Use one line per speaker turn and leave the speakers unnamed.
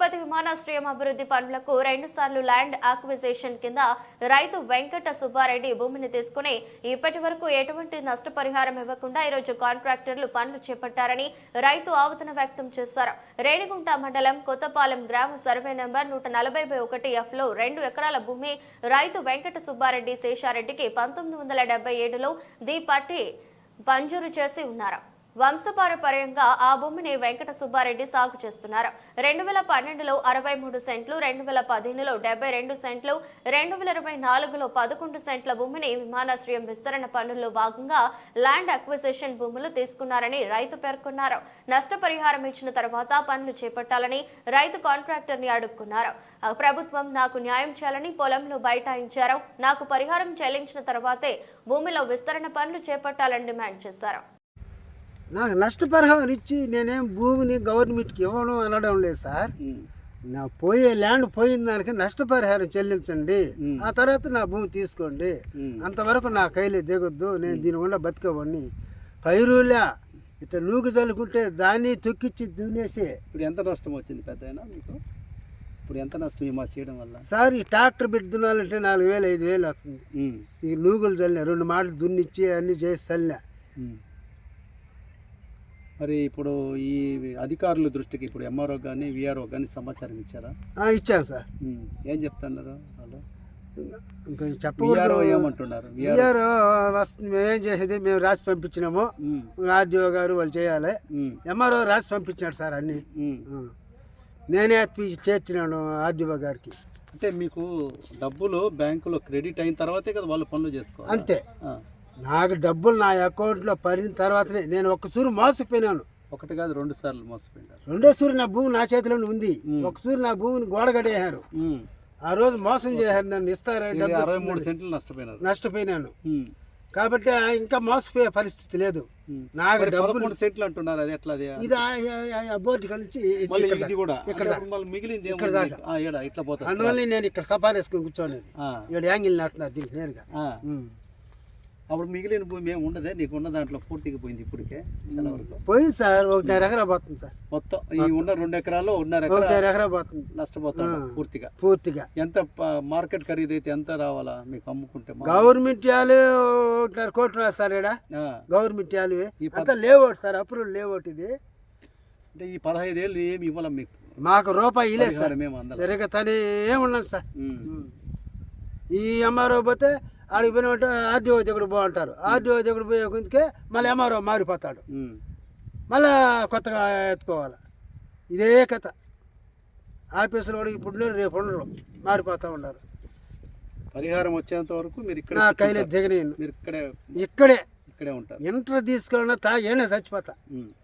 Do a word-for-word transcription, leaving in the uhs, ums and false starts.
తిరుపతి విమానాశ్రయం అభివృద్ధి పనులకు రెండు సార్లు ల్యాండ్ అక్విజిషన్ కింద రైతు వెంకట సుబ్బారెడ్డి భూమిని తీసుకుని ఇప్పటి వరకు ఎటువంటి నష్టపరిహారం ఇవ్వకుండా ఈరోజు కాంట్రాక్టర్లు పనులు చేపట్టారని రైతు ఆవేదన వ్యక్తం చేశారు. రేణిగుంట మండలం కొత్తపాలెం గ్రామ సర్వే నెంబర్ నూట నలభై ఒకటి ఎఫ్ లో రెండు ఎకరాల భూమి రైతు వెంకట సుబ్బారెడ్డి శేషారెడ్డికి పంతొమ్మిది వందల డెబ్బై ఏడులో ది పట్టి మంజూరు చేసి ఉన్నారు. వంశపారపర్యంగా ఆ భూమిని వెంకట సుబ్బారెడ్డి సాగు చేస్తున్నారు. రెండు వేల పన్నెండులో అరవై మూడు సెంట్లు, రెండు వేల పదిహేనులో డెబ్బై రెండు సెంట్లు, రెండు వేల ఇరవై నాలుగులో పదకొండు సెంట్ల భూమిని విమానాశ్రయం విస్తరణ పనుల్లో భాగంగా ల్యాండ్ అక్విజిషన్ భూములు తీసుకున్నారని రైతు పేర్కొన్నారు. నష్టపరిహారం ఇచ్చిన తర్వాత పనులు చేపట్టాలని రైతు కాంట్రాక్టర్ ని అడుక్కున్నారు. ప్రభుత్వం నాకు న్యాయం చేయాలని పొలంలో బైఠాయించారు. నాకు పరిహారం చెల్లించిన తర్వాతే భూమిలో విస్తరణ పనులు చేపట్టాలని డిమాండ్ చేశారు.
నాకు నష్టపరిహారం ఇచ్చి నేనేం భూమిని గవర్నమెంట్కి ఇవ్వడం అనడం లేదు సార్. నా పోయే ల్యాండ్ పోయిన దానికి నష్టపరిహారం చెల్లించండి, ఆ తర్వాత నా భూమి తీసుకోండి. అంతవరకు నా కైలే దిగొద్దు, నేను దీనివల్ల బతికేవాడిని. పైరులే ఇట్లా నూకు చల్లుకుంటే దాన్ని తొక్కిచ్చి దున్నేసి.
ఇప్పుడు ఎంత నష్టం వచ్చింది పెద్దయినా మీకు? ఇప్పుడు ఎంత నష్టం ఈ మా చేయడం వల్ల?
సార్ ఈ ట్రాక్టర్ పెట్టి దున్నాలంటే నాలుగు వేలు ఐదు వేలు వస్తుంది. ఈ నూగులు చల్లినా, రెండు మాటలు దున్నిచ్చి అన్నీ చేసి చల్లినా.
మరి ఇప్పుడు ఈ అధికారుల దృష్టికి ఇప్పుడు ఎంఆర్ఓ కానీ విఆర్ఓ కానీ సమాచారం ఇచ్చారా?
ఇచ్చాను సార్.
ఏం చెప్తున్నారు వాళ్ళు?
చెప్పారు
ఏమంటున్నారు?
విఆర్ఓ వస్తుంది, మేమేం చేసేది మేము రాసి పంపించినాము, ఆర్డీఓ గారు వాళ్ళు చేయాలి. ఎంఆర్ఓ రాసి పంపించినాడు సార్ అన్ని. నేనే చేర్చినాను ఆర్డీఓ గారికి.
అంటే మీకు డబ్బులు బ్యాంకులో క్రెడిట్ అయిన తర్వాతే కదా వాళ్ళు పనులు చేసుకోవాలి.
అంతే. నాకు డబ్బులు నా అకౌంట్లో పడిన తర్వాతనే నేను ఒక్క సూరు మోసపోయినాను.
ఒకటి కాదు రెండు సార్లు మోసపోయినారు.
రెండో సూరు నా భూమి నా చేతిలోనే ఉంది. ఒక సూరు నా భూమిని గోడగడేశారు. ఆ రోజు మోసం చేశారు నన్ను. ఇస్తారా
అరవై మూడు సెంట్లు నష్టపోయినారు.
నష్టపోయినాను కాబట్టి ఇంకా మోసపోయే పరిస్థితి లేదు. నాకు డబ్బులు
సెంట్లు అంటున్నారు. అది ఎట్లా?
ఇది బోర్డు నుంచి
ఇక్కడ మిగిలింది
ఇక్కడ దాకా
ఇట్లా పోతుంది.
అందువల్ల నేను ఇక్కడ సఫారీ వేసుకుని కూర్చోనేది. ఇక్కడ యాంగిల్ నాటున్నారు దీనికి నేరుగా.
అప్పుడు మిగిలిన భూమి ఏమి ఉండదే? నీకు ఉన్న దాంట్లో పూర్తిగా పోయింది ఇప్పటికే చాలా వరకు.
పోయింది సార్. ఒకటిన్నర ఎకరా పోతుంది సార్ మొత్తం.
ఈ ఉన్న రెండు ఎకరాలు ఉన్నర
ఎకరా పోతుంది.
నష్టపోతాను పూర్తిగా.
పూర్తిగా
ఎంత మార్కెట్ ఖరీదు అయితే ఎంత రావాలా మీకు అమ్ముకుంటే?
గవర్నమెంట్ యాలు ఒకటిన్నర కోట్లు సార్. ఇక్కడ గవర్నమెంట్ యాలు అంతా లేఅవుట్ సార్, అప్రూవల్ లేఅవుట్ ఇది.
అంటే ఈ పదహైదు ఏళ్ళు ఏమి ఇవ్వాలి మీకు?
మాకు రూపాయి లేదు సార్. మేము సరిగ్గా తనే ఏమున్నాను సార్. ఈ ఎంఆర్ఓ పోతే ఆడికి పోయినట్టు ఆర్డీఓ దగ్గర బాగుంటారు. ఆర్డీఓ దగ్గర పోయే కొందుకే మళ్ళీ ఎంఆర్ఓ మారిపోతాడు. మళ్ళా కొత్తగా ఎత్తుకోవాలి. ఇదే కథ. ఆఫీసులో కూడా ఇప్పుడు రేపు ఉండరు, మారిపోతూ ఉన్నారు.
పరిహారం వచ్చేంత వరకు మీరు ఇక్కడ
నా కైలే దిగనేను.
మీరు ఇక్కడే
ఇక్కడే
ఇక్కడే ఉంటారు.
ఇంటర్ తీసుకెళ్ళినా తా ఏనే చచ్చిపోతా.